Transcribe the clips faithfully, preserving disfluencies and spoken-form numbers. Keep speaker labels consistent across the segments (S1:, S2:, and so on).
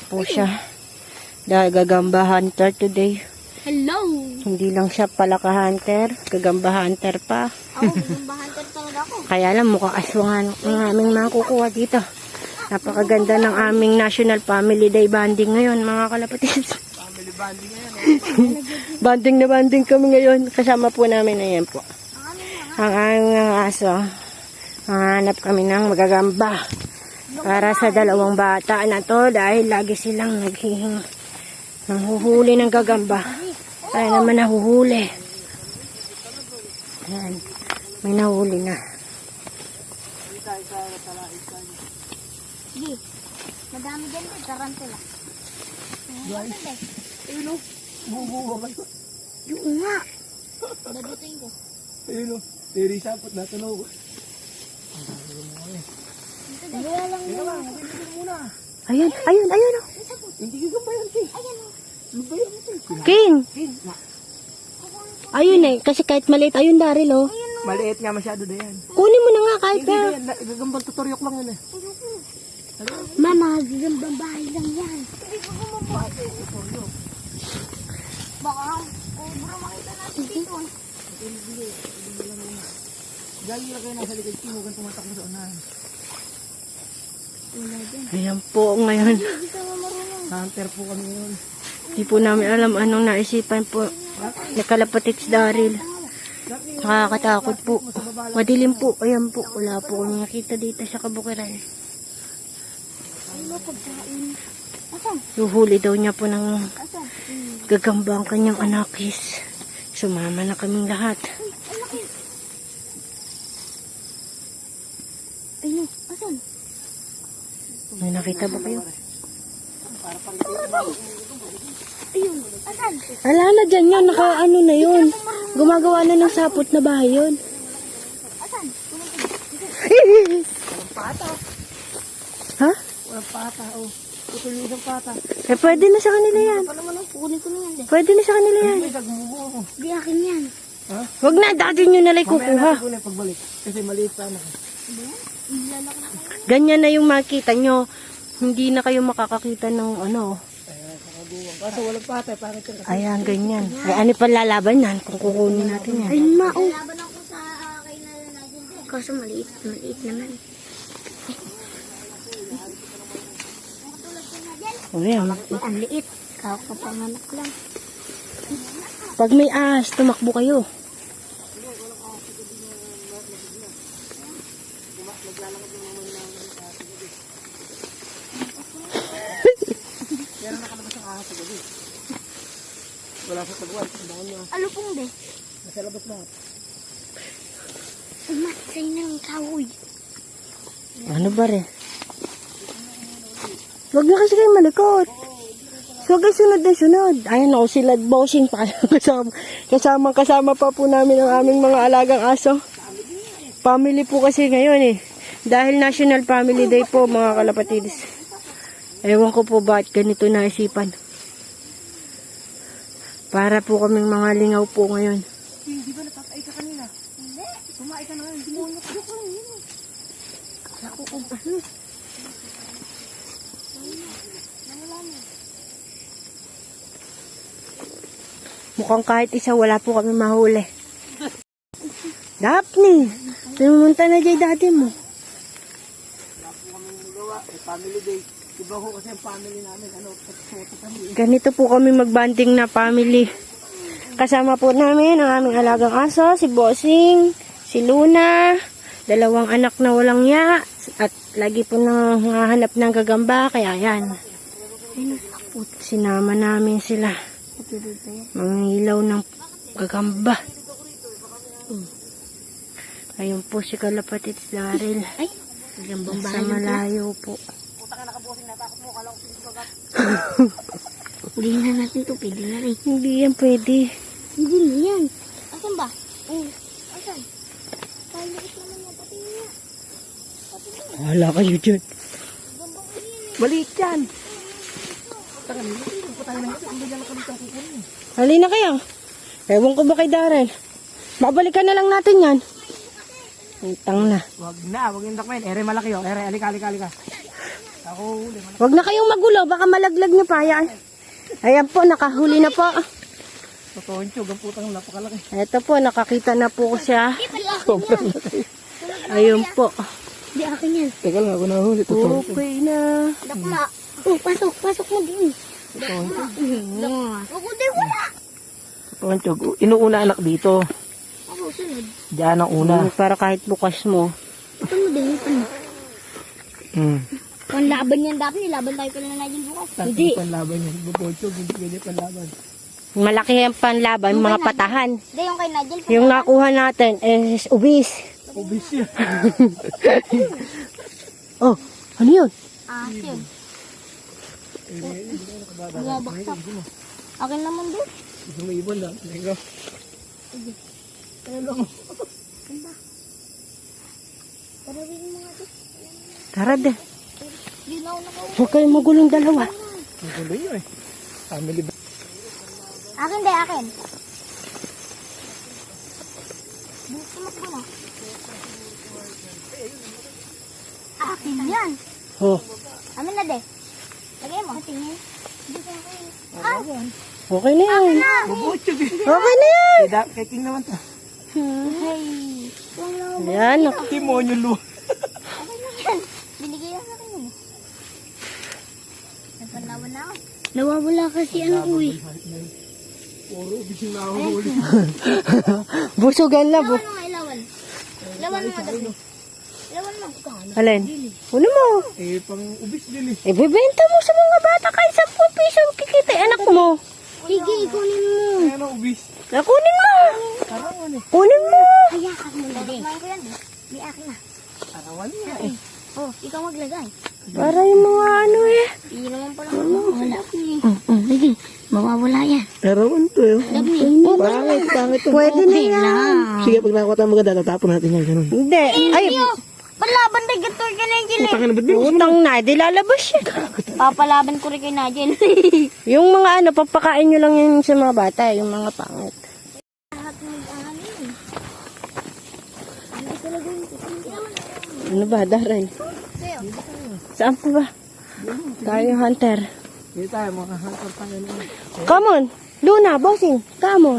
S1: po siya. Dahil gagamba hunter today.
S2: Hello!
S1: Hindi lang siya palaka hunter, gagamba hunter pa.
S2: Ako, gagamba hunter talaga ako.
S1: Kaya lang mukhang aswangan ang aming makukuha dito. Napakaganda ng aming National Family Day banding ngayon, mga kalapatis.
S3: Family banding ngayon.
S1: Banding na banding kami ngayon. Kasama po namin, ayan po. Ang aming aso. Hanap kami ng magagamba. Para sa dalawang bata na to dahil lagi silang naghihing nanghuhuli ng gagamba. Kaya naman nahuhuli. Ayan. May nahuli na.
S2: Sige. Madami dyan eh. Tarantula.
S3: Guys. Ayun o. Bubuwa kayo.
S2: Yung nga. Dabutin ko.
S3: Ayun o. Tiri sapot na tunog.
S2: Wala lang
S3: Teka lang. Hindi muna.
S1: Ayun, ayun, ayun. Oh.
S3: Hindi ka ba yan, King?
S2: Ayan o.
S3: Ano ba yan, King?
S1: King.
S3: King.
S1: Ayun eh. Kasi kahit maliit, ayun Daryl oh.
S3: Maliit nga masyado na yan.
S1: Kunin mo na nga kahit
S3: Hindi
S1: na.
S3: ba yan? Gagambang tuturyok lang yun eh.
S2: Mama, gagambang bahay lang yan. Hindi ko gumawa. Baka, obra makita natin dito.
S3: Gali lang kayo nasa likod, King. Huwag kang tumatakbo sa unahan.
S1: Ayan po ngayon.
S2: Hindi ka marunong.
S3: Hunter po kami yun.
S1: Hindi po namin alam anong naisipan po. Nakalapatits Daryl. Nakakatakot po. Madilim po. Ayan po. Wala po kami nakita dito sa kabukiran.
S2: Ano pagkain? Asan?
S1: Luhuli daw niya po ng
S2: Asan?
S1: gagamba ang kanyang anakis. Sumama na kaming lahat.
S2: Uy, ang laki. Ayun, asan?
S1: May nakita ba kayo?
S2: Ayun, asan?
S1: Ala na dyan yun. Naka ano na yun. Gumagawa na ng sapot na bahay yun.
S2: Asan?
S3: Walang pata.
S1: Ha?
S3: Walang pata, oh. Tutuloy ng pata.
S1: Eh pwede na sa kanila yan.
S2: Pa naman ang kukunin ko na yan. eh.
S1: Pwede na sa kanila yan.
S3: Ay, nagmumo ako.
S2: Di akin yan.
S3: Ha?
S1: Huwag na. Dati nyo nalang
S3: Mamaya
S1: kukuha.
S3: natin kunin pagbalik. Kasi maliit pa na.
S2: Ilalak na kayo.
S1: Ganyan na yung makita nyo. Hindi na kayo makakakita ng ano.
S3: Ayan, sa kabuwang. Kaso walang pata, pangit yung kasi.
S1: Ayan, ganyan. Ay, ano pa lalaban yan kung kukunin natin yan?
S2: Ayun ma, oh. Laban ako sa uh, kay na natin din. Kaso maliit, maliit naman.
S1: O yan.
S2: Ang liit. Kakapanganak lang.
S1: Pag may ahas, tumakbo kayo.
S3: Meron nakalabas ang ahas sa gabi. Wala sa tagwan. Bangon nyo.
S2: Ano pong be?
S3: Nasa labas na.
S2: Umatsay ng kahoy.
S1: Ano ba rin? Huwag na kasi kayo malikot. Huwag kayo sunod na sunod. Ayan o, sila bossing pa. kasama, kasama, kasama pa po namin ang aming mga alagang aso. Family po kasi ngayon eh. Dahil National Family Day po mga kalapatidis. Ewan ko po ba't ganito naisipan. Para po kaming mga lingaw po ngayon.
S3: Hindi ba natatay ka kanina? Hindi. Sumaay ka na ngayon. Hindi mo nakadok lang yun eh. Ako kung ano.
S1: Mukhang kahit isa wala po kami mahuli. Daphne, pumunta na dyan dati mo.
S3: Wala po kami magawa. Eh, family day. Diba ho kasi ang family namin. Ano, pagsoto kami.
S1: Ganito po kami magbanding na family. Kasama po namin ang aming alagang aso, si Bossing, si Luna, dalawang anak na walang ya, at lagi po nang hahanap ng gagamba, kaya yan. Sinama namin sila. Mangilaw ng gagamba. Ayun po si Kalapatits Daryl.
S2: Ay, gagambang
S1: Sa
S2: bahay lang.
S1: malayo po.
S2: Hulihin na natin ito. Pwede na rin.
S1: Hindi yan pwede.
S2: Hindi na yan. Asan ba? Oh, asan? Palikit naman yan. Pati niya. Pati niya.
S1: Wala kayo dyan.
S3: Maliit yan. Taka nila. Hindi po tayo nang hindi lang kami kang kukunin.
S1: Halina kayo. Ewan ko ba kay Daryl? Babalikan na lang natin yan. Utang na.
S3: Wag na, wag yung dakmen. Ere malaki oh. Ere, alika, alika, alika. Ako huli.
S1: Huwag na kayong magulo, baka malaglag nyo pa. Ayan. Ayan po, nakahuli na po.
S3: Totoo yung tiyog. Ang putang napakalaki.
S1: Ito po, nakakita na po ko siya.
S3: Sobrang laki.
S1: Ayun po.
S2: Di akin yan.
S3: Teka lang, ako nahuli. Totoo.
S1: Okay na.
S2: Dakma. Oh, pasok, pasok mo din.
S3: Totoo yung tiyog.
S2: Ako din wala.
S3: Totoo yung tiyog. Inuuna anak dito.
S2: Ako, sunod.
S3: Diyan ang una.
S1: Para kahit bukas mo.
S2: Ito mo din, ito mo.
S3: Hmm.
S2: Kung laban yan dapat, nilaban tayo pala na natin bukas.
S1: Hindi.
S3: Panlaban yun. Bubotsyog. Hindi pwede panlaban.
S1: Malaki ang panlaban, mga patahan.
S2: Hindi, yung kay Nigel.
S1: Yung nakuha natin is ubis.
S3: Obis yan.
S1: Oh, ano yun?
S2: Ah, yun. Bumabaksak. Akin naman din.
S3: Sumibon lang. Teka. Teka lang.
S2: Tarawin mo nga din.
S1: Tara de.
S2: Yun ako nakauwi.
S1: Huwag kayong magulong dalawa.
S3: Ang gulo yun eh. Family ba?
S2: Akin din, akin. Sumakbo na. Akin yan.
S1: Oh,
S2: Amin na de. Lagay mo. Tingin. Ah,
S1: okay na yan.
S2: na.
S3: Bubotsyog eh.
S1: Okay na yan.
S3: Kaya kay King naman to.
S2: Hey. Wala mo.
S1: Yan.
S3: Demonyo lu.
S2: Akin na yan. Binigay yan akin yun. Nagpanlaban na ako. Nawawala kasi ano ko eh.
S3: Puro obis yung nahuhuli.
S1: Busugan na. Bu
S2: Ilawan mo, ilawan. Ilawan mo, dali. Ilawan mo.
S1: Alin? Ano mo?
S3: Eh, pang ubis din eh.
S1: Ibibenta mo sa mga bata kahit sa piso kikita anak mo.
S2: Sige, ikunin mo.
S3: Ayan ang ubis.
S1: Kunin mo.
S3: Karawan eh.
S1: Kunin mo.
S2: Hayakan mo na din. Kumain ko yan eh. May akin na.
S3: Karawan niya eh.
S2: Oh, ikaw maglagay.
S1: Para yung mga ano eh.
S2: Hindi naman pala mawawala. Sige, mawawala yan.
S3: Karawan to eh.
S2: Dami.
S3: Pangit, pangit to.
S1: Pwede na yan.
S3: Sige, pag nakakota mo maganda, tatapon natin yan. Ganun.
S1: Hindi. Ay,
S2: Palaban tayo gator ka na yung
S3: Utang na ba't di mo?
S1: utang na. Di lalabas siya.
S2: Papalaban ko rin kay Nigel.
S1: Yung mga ano, papakain nyo lang yun sa mga bata. Yung mga pangit.
S2: Lahat ng ano yun. Hindi talaga yun.
S1: Ano ba, Darren?
S2: Sa'yo.
S1: Saan pa ba? Tayo, Hunter.
S3: Hindi tayo, mga hunter tayo naman.
S1: Come on. Luna, bossing. Come on.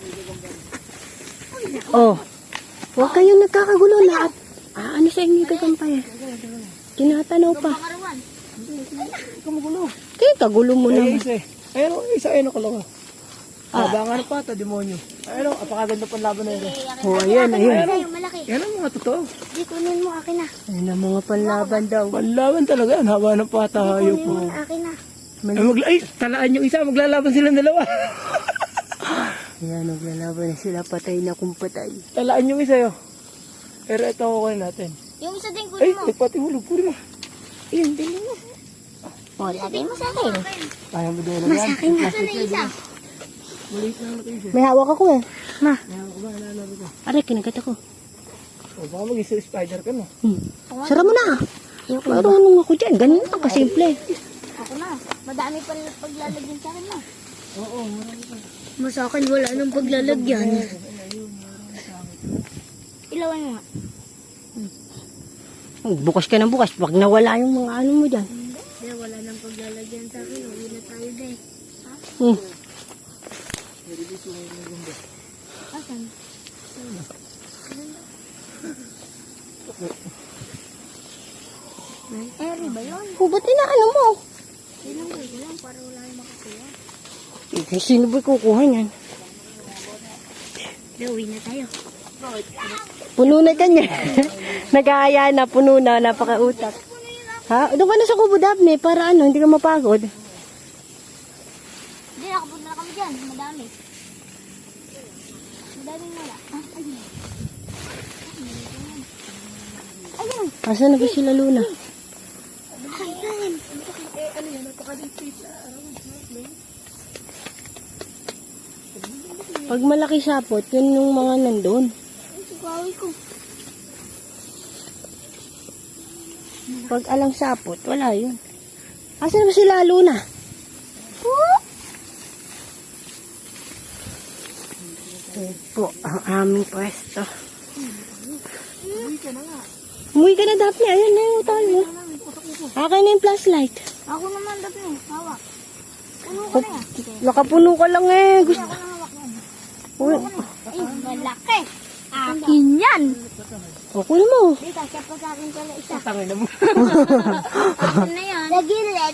S1: Oh. Huwag kayo nagkakagulo na. Ah, ano sa inyo kagampay? Tinatanaw pa.
S2: Pangarawan.
S3: Ikaw magulo.
S1: Kaya kagulo mo
S3: Ay,
S1: na.
S3: isa eh. Ayun, oh, isa, ayun, nakalawa. Ah, bangan pa ito, demonyo. Ayun, oh, apakaganda pang laban na yun.
S1: Oh, ayan, ayan.
S2: Sa'yo, malaki.
S3: Yan ang mga totoo.
S2: Di kunin mo, akin na.
S1: Ayan ang mga panlaban daw.
S3: Panlaban talaga, ang haba ng pata, hayop po.
S2: Kunin mo, akin na.
S3: Ay, magla ay, talaan yung isa, maglalaban silang dalawa.
S1: Ayan, naglalaban na sila. Patay na kung patay.
S3: Talaan yung isa yun. Pero ito ako kunin natin.
S2: Yung isa din
S3: Ay,
S2: kunin mo.
S3: nagpatihulog, kunin mo.
S2: Yun, dali mo. O, lagay mo sa akin.
S3: Kaya mo din
S2: Mas
S3: yan.
S2: akin na. Ito na isa.
S3: Maliit lang na kayo.
S1: May hawak ako eh. Ma,
S3: Kaya ko ba, nalalaro ko.
S1: aray, kinagat ako.
S3: O, baka mag-isa spider ka no.
S1: Hmm. Sara mo na. Marunong ako dyan. Ganun lang kasimple.
S2: Ako na. Madami pa paglalagyan sa akin na.
S3: Oo, marami pa.
S2: Mas akin wala nang paglalagyan. Ilawan mo nga.
S1: Bukas ka ng bukas. Pag nawala yung mga ano mo dyan.
S2: Hindi, wala nang paglalagyan sa akin. Uwi na tayo deh.
S1: Hmm.
S2: Asan? Eri ba yun?
S1: Hubat na ano mo?
S2: Ilang ko lang para wala yung makakuha.
S1: Eh, sino ba kukuha niyan?
S2: Hindi, uwi na tayo.
S1: Puno na kanya. Nag-aaya na, puno na, napakautak. Ha? Doon ka na sa kubo, Daphne, para ano, hindi ka mapagod.
S2: Hindi, nakapunta na kami dyan. Madami. Madaming wala. Ah, ayun. Ayun.
S1: Asan na ba sila, Luna?
S2: Ayun.
S3: Eh, ano yan, napakaliit sa araw.
S1: Pag malaki sapot, yun yung mga nandun.
S2: Ay, sigawi ko.
S1: Pag alang sapot, wala yun. Asan na ba sila, Luna? Ito po ang aming pwesto.
S3: Uwi ka na nga.
S1: Umuwi ka na, Daphne. Ayan na yung tayo. Akin na yung flashlight.
S2: Ako naman dapat eh. Hawak. Ano ko na yan?
S1: Nakapuno ka lang eh. Gusto.
S2: Ako na hawak yan.
S1: Uy,
S2: Ay, malaki. Akin yan.
S1: okay mo.
S2: Di, kasya pa sa akin pala isa.
S3: Tangin na mo.
S2: Akin na yan. Sa gilid.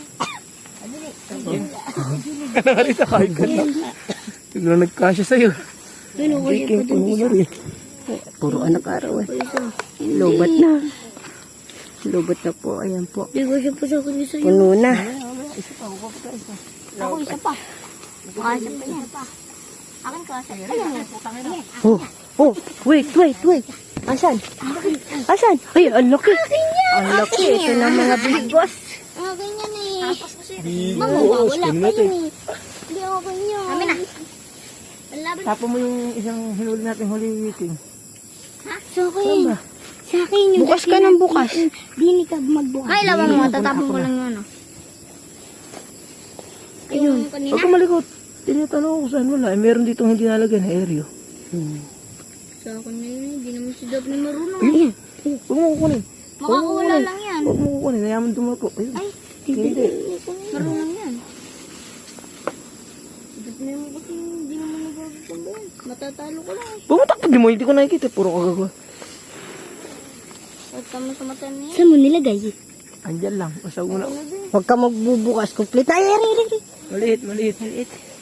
S3: Ka na rin kahit ka na. Tignan nagkasya sa'yo.
S2: Ano ko siya pa dun
S3: Puno na rin.
S1: Puro anak araw eh. Lobat na. Lobat na po. Ayan po.
S2: Di ko siya pa sa akin isa.
S1: Puno na.
S2: Ako isa pa. Baka isa pa yan. Akin ka. Ayan.
S1: Oh, oh, wait, wait, wait. Asan? Asan? Ay, ang laki. Ang laki. Ito na mga big boss.
S2: Akin yan eh.
S3: Bigo.
S2: Mamawawala
S3: Ano
S2: pa
S3: natin?
S2: yun eh. Hindi ako ganyan. Amin na. Laban.
S3: Tapo mo yung isang hinuli natin huli weekend.
S2: Ha? Sa akin. Sa akin yung...
S1: Bukas ka ng bukas.
S2: Dini ka magbukas. Ay, laban mo. Tatapon ko lang yun. ah. Ayun. Kanina.
S3: Huwag ka malikot. Tinatanong ko saan wala. Eh, meron ditong hindi nalagyan na aereo.
S2: Sa akin na yun. Hindi naman si Daphne marunong.
S3: Ayun. Huwag mo kukunin.
S2: Makakawala lang yan.
S3: Huwag mo kukunin. Nayaman dumako. Ayun.
S2: Ay,
S3: Hindi.
S2: marunong yan. Daphne mo kasi hindi naman nagagawa yan. Matatalo ko lang.
S3: Pumatak pa di mo. Hindi ko nakikita. Puro kagagawa.
S2: At tama sa mata niya. Saan mo nilagay?
S3: Andyan lang. Pasag mo na.
S1: Huwag ka magbubukas. Complete. Ay, ay, ay, ay.
S3: Maliit, maliit. Maliit.